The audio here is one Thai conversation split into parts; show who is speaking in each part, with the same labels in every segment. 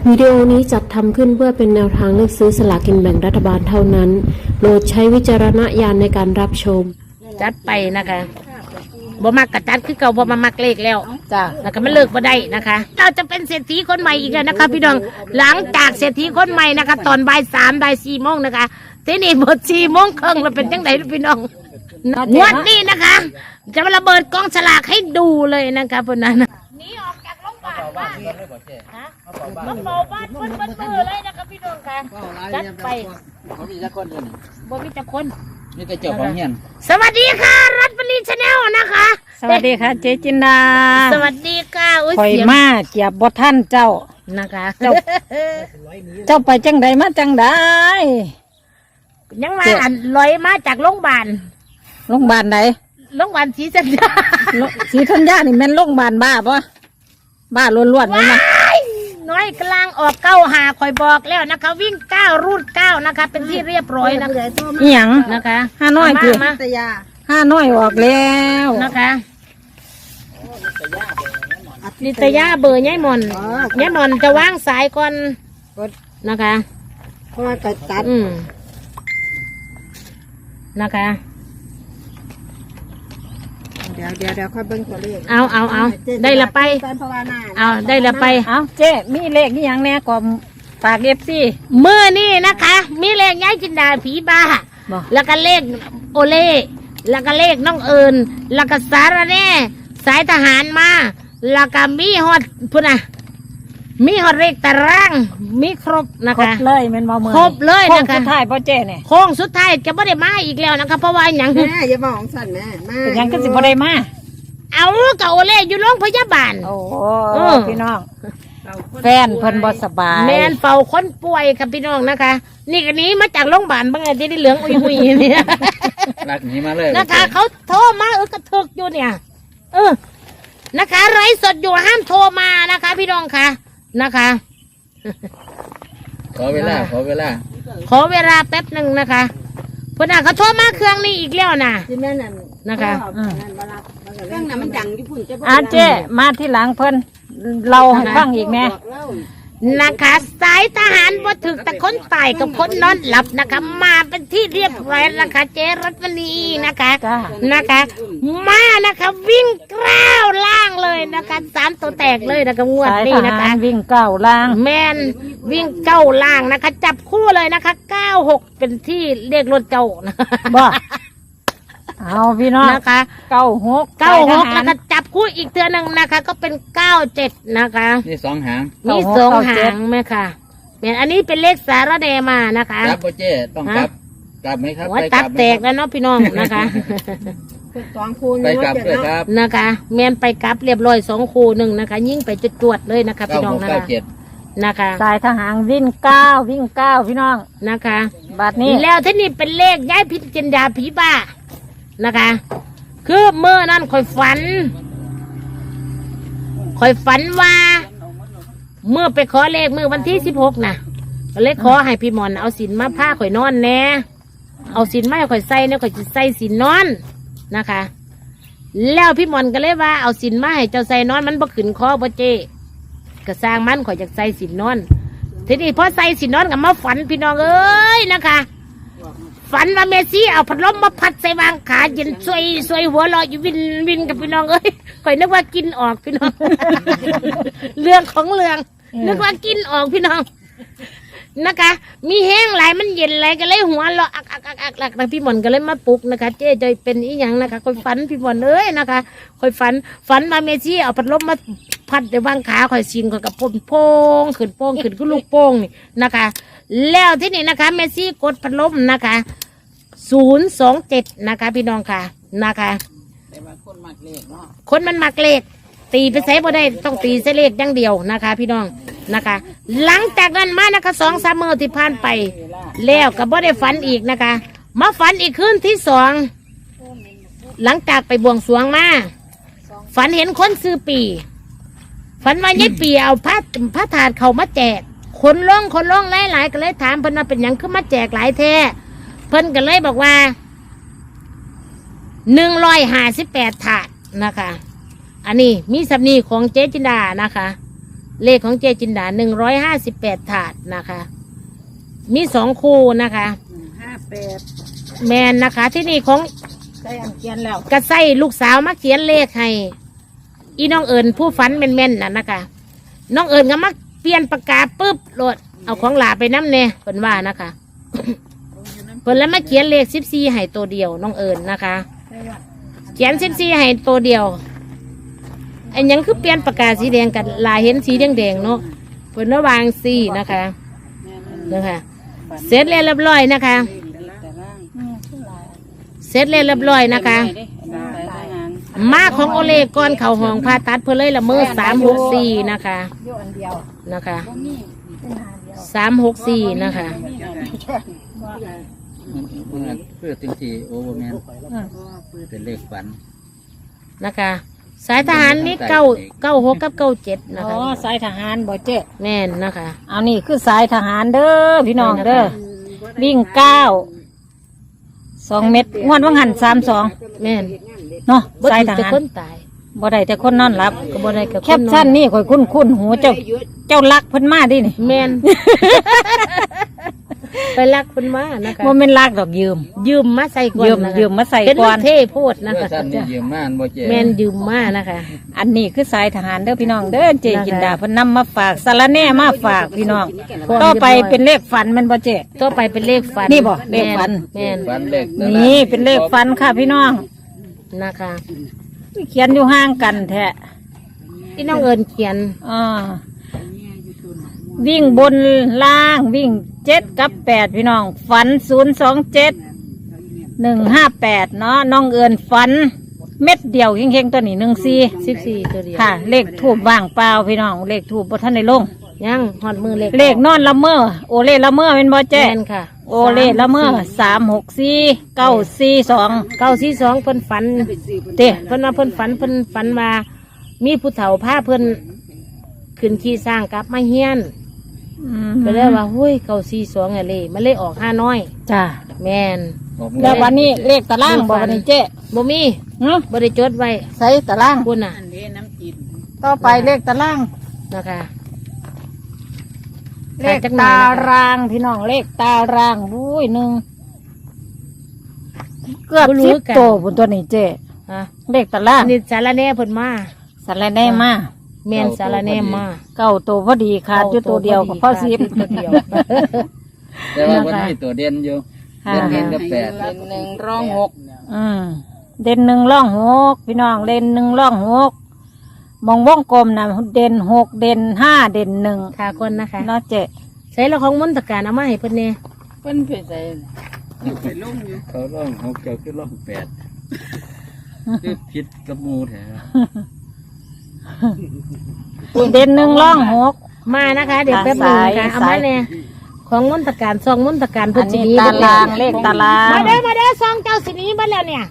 Speaker 1: วิดีโอนี้จัดทำขึ้นเพื่อเป็นแนวทางเลือกซื้อสลากกินแบ่งรัฐบาลเท่านั้นโปรดใช้วิจารณญาณในการรับชม
Speaker 2: จัดไปนะคะบ่มักกะจัดคือเก่าบ่มามักเลขแล้วจ้าแล้วก็มันเลิกบ่ได้นะคะเราจะเป็นเศรษฐีคนใหม่อีกแล้วนะคะพี่น้องหลังจากเศรษฐีคนใหม่นะคะตอนบ่าย3บ่าย4โมงนะคะทีนี้หมด4 โมงครึ่งแล้วเป็นจังไดพี่น้องงวดนี้นะคะจะมาระเบิดกองฉลากให้ดูเลยนะคะพวกนั้นนี่ออกจากโรงพยาบาลมามาเฝ้าบ้านเพิ่นมือเลยนะคะพี่น้องค่ะจัดไป
Speaker 3: เขามีจักคนอยู่นี่
Speaker 2: บ่มีจักคน
Speaker 3: นี่แต่เจ้าของเฮียน
Speaker 2: สวัสดีค่ะรัตปรีชาแนลนะคะ
Speaker 4: สวัสดีค่ะเจ๊จินดา
Speaker 2: สวัสดีค่ะ
Speaker 4: ข่อยมาเกียบบท่านเจ้า
Speaker 2: นะคะ
Speaker 4: เจ้าไปจังใดมาจังใด
Speaker 2: ยังมาลอยมาจากโรงพยาบาล
Speaker 4: โรงพยาบาลไหน
Speaker 2: โรงพยาบาลศรีสัญญา
Speaker 4: ศรีธัญญานี่แม่นโรงพยาบาลบ้าปะบ้าล้วนๆเลยนะ
Speaker 2: น้อยกลางออก9 5คอยบอกแล้วนะคะวิ่ง9รูด9นะคะเป็นที่เรียบร้อยนะคะ
Speaker 4: อีหยัง
Speaker 2: นะคะ
Speaker 4: 5น้อยคือ5น้อยออกแล้ว
Speaker 2: นะคะนิตยาเบอร์ยายมอนยายมอนจะวางสายก่อนนะคะ
Speaker 4: เพราะว่าตัด
Speaker 2: นะคะ
Speaker 4: เดี๋ยวค่อยเบิ่งตัวเลข
Speaker 2: เอาได้ละไปเอาได้ละไป
Speaker 4: เอาเจ๊มีเลขนี่ยังแน่ก่อนฝากFC
Speaker 2: เมื่อนี่นะคะมีเลขย้ายจินดาผีบ้าแล้วก็เลขโอเล่แล้วก็เลขน้องเอิญแล้วก็สารแน่สายทหารมาแล้วก็มีฮอดพุ่นน่ะมีฮอดเลขตารางมีครบนะคะ
Speaker 4: ครบเลยแม่นบ่
Speaker 2: ครบเลยนะคะ
Speaker 4: โค้งสุดท้ายพ่อเจ๊เนี่ย
Speaker 2: โค้งสุดท้ายจะไม่ได้มาอีกแล้วนะคะเพราะว่าอย่าง
Speaker 4: แม่อย่าบอกของสั่นแม่มาอย่างก็สิบ่ได้มา
Speaker 2: เอากับโอเล่อยู่โรงพยาบาล
Speaker 4: โอ้พี่น้องแฟนเพิ่นบ่สบาย
Speaker 2: แม่นเฝ้าคนป่วยค่ะพี่น้องนะคะนี่กันนี้มาจากโรงพยาบาลบางไงจะได้เหลืองอุยเนี่ย
Speaker 3: รักหนีมาเลย
Speaker 2: นะคะเขาโทรมากระทึกอยู่เนี่ยนะคะไร้สดอยู่ห้ามโทรมานะคะ พี่น้องค่ะนะคะ
Speaker 3: ขอเวลาขอเว
Speaker 2: ลาแป๊บหนึ่งนะคะพอดาเขาโทรมาเครื่องนี้อีกแล้วนะนะคะ
Speaker 4: เครื่องนั้นมันดังญี่ปุ่นเจ๊มาที่หลังเพิ่นเราให้ฟังอีกแม่
Speaker 2: นะคะสายทหารบ่ถึกแต่คนตายกับคนนอนหลับนะคะมาเป็นที่เรียบร้อยนะคะเจรัตนีนะคะมานะคะวิ่ง9ล่างเลยนะคะ3 ตัวแตกเลยนะคะงวดนี้นะคะ
Speaker 4: วิ่ง9ล่าง
Speaker 2: แมนวิ่ง9ล่างนะคะจับคู่เลยนะคะ96เป็นที่เรียกรถเจ้า
Speaker 4: บ่เอาพี่น้อง
Speaker 2: นะคะ
Speaker 4: 96
Speaker 2: แล้วก็จับคู่อีกเทือหนึ่งนะคะก็เป็น97นะคะ
Speaker 3: นี่2 หาง
Speaker 2: มี2 หางไหมค่ะเนี่ยอันนี้เป็นเลขสารแดมานะคะ
Speaker 3: กลับเจ๊ต้องกลับไหมครับ
Speaker 2: ไปตับแตกแล้วเนาะพี่น้องนะคะ
Speaker 3: ไปกลับด้วยครับ
Speaker 2: นะคะแมนไปกลับเรียบร้อย2 คู่1นะคะยิ่งไปจวดเลยนะคะพี่น้องนะคะ
Speaker 4: สายทหารวิ่ง9พี่น้อง
Speaker 2: นะคะ
Speaker 4: บัดนี้
Speaker 2: แล้วที่นี่เป็นเลขย้ายพิจินดาผีบ้านะคะคือเมื่อนั้นคอยฝันว่าเมื่อไปขอเลขเมื่อวันที่16นะก็เลยขอให้พี่หมอนเอาสินมาผ้าข่อยนอนแน่เอาสินมาข่อยใส่เนี่ยข่อยจะใส่สินนอนนะคะแล้วพี่หมอนก็เลยว่าเอาสินมาให้เจ้าใส่นอนมันบ่ขึ้นคอบ่เจก็สร้างมันข่อยจะใส่สินนอนทีนี้พอใส่สินนอนกับมาฝันพี่น้องเอ้ยนะคะฝันว่าเมซี่เอาพัดลมมาพัดใส่วางขาเย็นซวยหัวลอยอยู่วินกับพี่น้องเอ้ยข่อยนึกว่ากินออกพี่น้องเรื่องของเรื่องนึกว่ากินออกพี่น้องนะคะมีแห้งไหลมันเย็นไหลก็เลยหัวเราะอักพี่หมอนก็เลยมาปลุกนะคะเจ๊จะเป็นอีหยังนะคะข่อยฝันพี่หมอนเอ้ยนะคะข่อยฝันมาเมซี่เอาพัดลมมาพัดใส่วางขาข่อยชิงข่อยกับโป้งขึ้นก็ลูกโป้งนี่นะคะแล้วที่นี่นะคะเมซี่กดพัดลมนะคะ027นะคะพี่น้องค่ะนะคะคนมันมักเลขตีไปใส่บ่ได้ต้องตีใส่เลขอย่างเดียวนะคะพี่น้องนะคะหลังจากนั้นมานะคะ2-3 มื้อที่ผ่านไปแล้วก็บ่ได้ฝันอีกนะคะมาฝันอีกคืนที่2หลังจากไปบวงสรวงมาฝันเห็นคนซื้อปีฝันว่ายายปีเอาผ้าถาดเขามาแจกคนล่องหลายๆก็เลยถามเพิ่นว่าเป็นหยังคือมาแจกหลายแท้เพิ่นก็เลยบอกว่า158 ถาดนะคะอันนี้มีสำนีของเจ๊จินดานะคะเลขของเจจินดา158 ถาดนะคะ มี2 คู่นะคะ
Speaker 4: 58
Speaker 2: แมนนะคะ ที่นี่ของ
Speaker 4: ใส่อันเขียนแล้ว
Speaker 2: กระไส้ลูกสาวมาเขียนเลขให้อีน้องเอิญผู้ฝันแม่นๆน่ะนะคะ น้องเอิญก็มาเปลี่ยนปากกาปุ๊บโหลดเอาของหลาไปน้ำเน่เพิ่นว่านะคะ เพิ่นแล้วมาเขียนเลข14ให้ตัวเดียวน้องเอิญนะคะ เขียน14ให้ตัวเดียวอันยังคือเปลี่ยนปากกาสีแดงกันลายเห็นสีแดงๆเนาะเพิ่นว่าวางสีนะคะนะคะเสร็จแล้วเรียบร้อยนะคะ เสร็จแล้วเรียบร้อยนะคะ มาของโอเล่ก่อนเข่าห้องผ่าตัดเพื่อเลยละเมอ364นะคะ
Speaker 4: อยู่อันเดียว
Speaker 2: นะคะ364นะคะ
Speaker 3: มันเพื่อจริงทีโอเวอร์แมนเป็นเลขฝัน
Speaker 2: นะคะ สายทหารมี96กับ97นะ
Speaker 4: อ๋อ
Speaker 2: คะ
Speaker 4: สายทหารบ่เจ๊
Speaker 2: แม่นนะคะ
Speaker 4: เอานี่คือสายทหารเด้อพี่น้องเด้อวิ่ง2 เม็ดงวดว่างหัน32
Speaker 2: แม่น
Speaker 4: เนาะ
Speaker 2: บ่
Speaker 4: สาย
Speaker 2: ถึง
Speaker 4: ท
Speaker 2: จะ
Speaker 4: หาร
Speaker 2: คนตาย
Speaker 4: บ่ได้แต่คนนอนหลับ
Speaker 2: ก็บ่ได้กับ
Speaker 4: แคปชั่นนี่ข่อยคุ้นหูเจ้ารักเพิ่นมาดินี่
Speaker 2: แม่น ไปลักเพิ่นมานะคะ
Speaker 4: บ่แม่นรักดอกยืม
Speaker 2: ยืมมาใส่ก่อนนะคะ
Speaker 4: ยืมมาใส่
Speaker 2: เป็น
Speaker 4: ก่อน
Speaker 2: เท่โพดนะ
Speaker 3: เพื่อ
Speaker 2: คะ
Speaker 3: สั้นนี่ยืมม่านบ่เจ๊
Speaker 2: แม่นยืมมานะคะ
Speaker 4: อันนี้คือสายทหารเด้อพี่น้องเด้อเจจินดาเพิ่นนำมาฝากสารแหน่มาฝากพี่น้องต่อไปเป็นเลขฝันแมันบ่เจ๊
Speaker 2: ต่อไปเป็นเลขฝัน
Speaker 4: นี่บ่เลขฝัน
Speaker 2: แม่น
Speaker 3: ฝันเลข
Speaker 4: นี่เป็นเลขฝันค่ะพี่น้อง
Speaker 2: นะคะ
Speaker 4: เขียนอยู่ห่างกันแท้
Speaker 2: ที่น้องเอิญเขียน
Speaker 4: อ่าวิ่งบนล่างวิ่ง7 กับ 8พี่น้องฝัน027 158เนาะน้องเอิญฝัน เม็ดเดียวเฮงๆตัวนี้14
Speaker 2: ตัวเดียว
Speaker 4: ค่ะ เลขทูบว่างเปล่าพี่น้องเลขทูบบ่ทันได้ลง
Speaker 2: ยังหอดมือเลข
Speaker 4: เลขนอนละเมอโอเล่ละเมอเป็นบ่แจ้
Speaker 2: แม่นค่ะ
Speaker 4: โอเล่ละเมอ364 942
Speaker 2: 942เพิ่นฝัน
Speaker 4: เต้
Speaker 2: เพิ่นว่าเพิ่นฝันว่ามีผู้เฒ่าพาเพิ่นขึ้นขี่สร้างกลับมาเฮียนก็เลยว่าหุ้ย942อะเลยมันเลยออก5น้อย
Speaker 4: จ้า
Speaker 2: แม่น
Speaker 4: แล้ววันนี้เลขตารางบ่วันนี้เจ๊
Speaker 2: บ่มี
Speaker 4: เนาะ
Speaker 2: บ่ได้จดไว้
Speaker 4: ใส่ตาราง
Speaker 2: คุณน่ะ
Speaker 4: ต่อไปเลขตาราง
Speaker 2: นะคะ
Speaker 4: เลขตารางพี่น้องเลขตารางอุ้ยหนึ่งเกือบ10 โตบนตัวนี้เจ๊
Speaker 2: ฮะ
Speaker 4: เลขตาราง
Speaker 2: นี่สารแหน่เพิ่นมา
Speaker 4: สารแน่มา
Speaker 2: แม่นสารแหน่มา
Speaker 4: 9 โตพอดีขาดอยู่ตัวเดียวกับพ่อซิบ
Speaker 2: ตัวเดียว
Speaker 3: แต่ว่าวันนี้ตัวเด่นอยู่
Speaker 4: ค่ะ
Speaker 3: เด่นกับ8
Speaker 4: เด่น1ร่อง6พี่น้องเด่น1ร่อง6มองวงกลมนะเด่น6เด่น5เด่น1
Speaker 2: ค่ะคนนะคะ
Speaker 4: เนาะเจ๊
Speaker 2: ใส่ละของมนตการเอามาให้เพิ่นแน่
Speaker 3: เขาล่อง6เจ้าคือล่อง8คือผิดกับหมู่แท้
Speaker 4: เด่น1ร่อง6
Speaker 2: มานะคะ เดี๋ยวแป๊บหนึงนะคะเอามาแน่ของมนตการซองมนตการ
Speaker 4: อั
Speaker 2: เพิ่น
Speaker 4: น
Speaker 2: สิ
Speaker 4: นี้
Speaker 2: ดี
Speaker 4: ตารางเลขตาราง
Speaker 2: มาเด้อซองเจ้าสิหนี้เบิดแล้วเนี่ย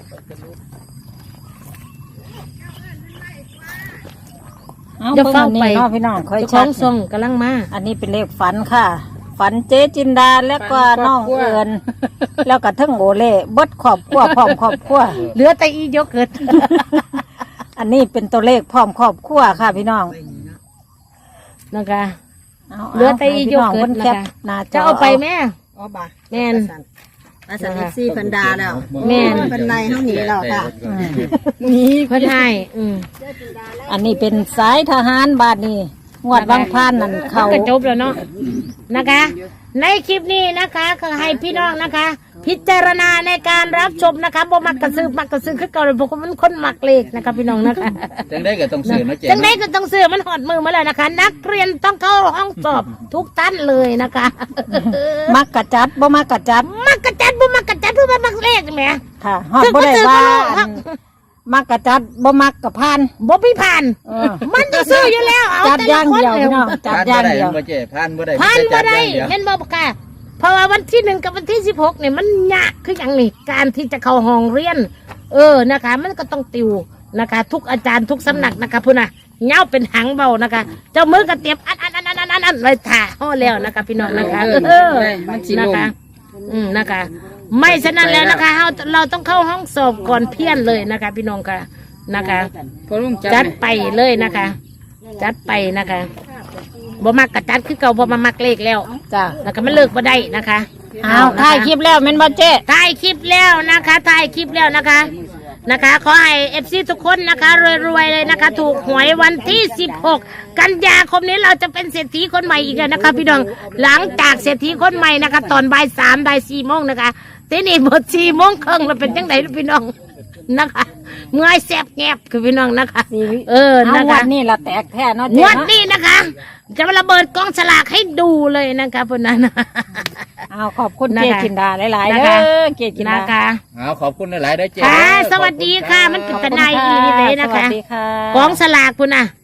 Speaker 4: เอาเพิ่งอันนี้เนาะพี่น้องค่อย
Speaker 2: เจ้าข
Speaker 4: ชั
Speaker 2: อ
Speaker 4: ด
Speaker 2: งซองกำลังมา
Speaker 4: อันนี้เป็นเลขฝันค่ะ ฝันเจ๊จินดาแล้วก็น้องเอิญแล้วก็ทั้งโอเล่เบดครอบครัวพร้อมครอบครัว
Speaker 2: เหลือแต่อียกเกิด
Speaker 4: อันนี้เป็นตัวเลขพร้อมครอบครัวค่ะพี่น้อง
Speaker 2: นะคะ
Speaker 4: เอา
Speaker 2: เหลือแต่อี
Speaker 4: ให้
Speaker 2: ย
Speaker 4: พี่
Speaker 2: ก
Speaker 4: น้อง
Speaker 2: เกิ
Speaker 4: เพิ่
Speaker 2: ด
Speaker 4: น
Speaker 2: นะ
Speaker 4: แคป
Speaker 2: คะ
Speaker 4: หน้าจ
Speaker 2: จะ
Speaker 4: อ
Speaker 2: เอาไปแม่
Speaker 5: อ๋อบ่ะ
Speaker 2: แม่น
Speaker 5: อาสาลิซี่เพันดาแล้ว
Speaker 2: แม่น
Speaker 5: เป็นไรเท่านี้แล้วค่ะ
Speaker 2: นี่เพิ่นให้
Speaker 4: อันนี้เป็นสายทหารบาทนี่งวดบางพานนั่นเขา
Speaker 2: ก็จบแล้วเนาะนะคะ ในคลิปนี้นะคะก็ให้พี่น้องนะคะ พิจารณาในการรับชมนะคะบ่มักกระซื้อคือเก่าเลยเพราะว่ามันคนมักเลขนะคะพี่น้องนะคะ
Speaker 3: จังได้ก็ต้องซื้อเนาะเจ๊
Speaker 2: จังไดก็ต้องซื้อมันหอดมือมาแล้วนะคะ นักเรียนต้องเข้าห้องสอบทุกท่านเลยนะคะ
Speaker 4: มักกะจัดบ่มักกะจัด
Speaker 2: มักกระจัดบ่มักกระจัดทุกมักเลขแหม
Speaker 4: ค่ะฮอดบ่ได้ว่าอันมักกะจัดบ่มักกะพาน
Speaker 2: บ่พี่ผ่าน
Speaker 4: เออ
Speaker 2: มันจะซื้ออยู่แล้วเอา
Speaker 4: จัด
Speaker 2: แต่
Speaker 4: อย่า
Speaker 2: ละ
Speaker 4: ง
Speaker 2: คน
Speaker 4: เดียวพี่น้องจัดอย่างเดียว
Speaker 3: บ่เจ๊ผ่านบ่ได้
Speaker 2: ผ่านบ่ได้
Speaker 3: เห็
Speaker 2: เห็
Speaker 3: น
Speaker 2: นบ่ปากกาเพราะว่าวันที่1กับวันที่16เนี่ยมันยากคืออย่างนี้การที่จะเข้าห้องเรียน นะคะ มันก็ต้องติวนะคะ ทุกอาจารย์ทุกสำนักนะคะพุ่นน่ะเหงาเป็นหางเบานะคะ เจ้ามือก็เตรียมอันไว้ถ่าห่อแล้วนะคะ พี่น้องนะคะนะคะนะคะ ไม่ฉะนั้นแล้วนะคะเราต้องเข้าห้องสอบก่อนเพี้ยนเลยนะคะ พี่น้องค่ะนะคะจัดไปเลยนะคะจัดไปนะคะบ่มักกะจัดคือเก่าบ่มามักเลขแล้ว
Speaker 4: จ้ะ
Speaker 2: แล้วก็มันเลิกบ่ได้นะคะ
Speaker 4: เอาถ่ายคลิปแล้วแม่นบ่เจ๊
Speaker 2: ถ่ายคลิปแล้วนะคะถ่ายคลิปแล้วนะคะขอให้เอฟซีทุกคนนะคะรวยๆเลยนะคะ ถูกหวยวันที่ 16 กันยาคมนี้เราจะเป็นเศรษฐีคนใหม่อีกแล้วนะคะ พี่น้องหลังจากเศรษฐีคนใหม่นะคะ ตอนบ่าย 3 บ่าย 4 โมงนะคะทีนี้หมด 4 โมงครึ่งเราเป็นจังไดพี่น้องนะคะเมื่อยแสบแงบคือพี่น้องนะคะนะ
Speaker 4: งว
Speaker 2: คะ
Speaker 4: ดนี่ละแตกแท้เนาะ
Speaker 2: ง
Speaker 4: เจ๊
Speaker 2: วด
Speaker 4: เนาะ
Speaker 2: นี้นะคะ จะมาระเบิดกองฉลากให้ดูเลยนะคะพวกนั้น
Speaker 4: เอาขอบคุณ
Speaker 2: นะคะ
Speaker 4: เจ๊กินดาหลายๆ
Speaker 2: นะ
Speaker 4: เด้
Speaker 2: คะ
Speaker 4: อเจ๊กินดา
Speaker 2: นะคะ
Speaker 3: เอาขอบคุณหลายๆได้อเจ๊
Speaker 2: ค่ะสวัสดีค่ะมันเป็น
Speaker 4: ขอบ
Speaker 2: ตะ
Speaker 4: คุณ
Speaker 2: นายอีหลีเลยนะ
Speaker 4: สวั
Speaker 2: คะ
Speaker 4: สดีค่ะ
Speaker 2: กองสลากพุ่นน่ะ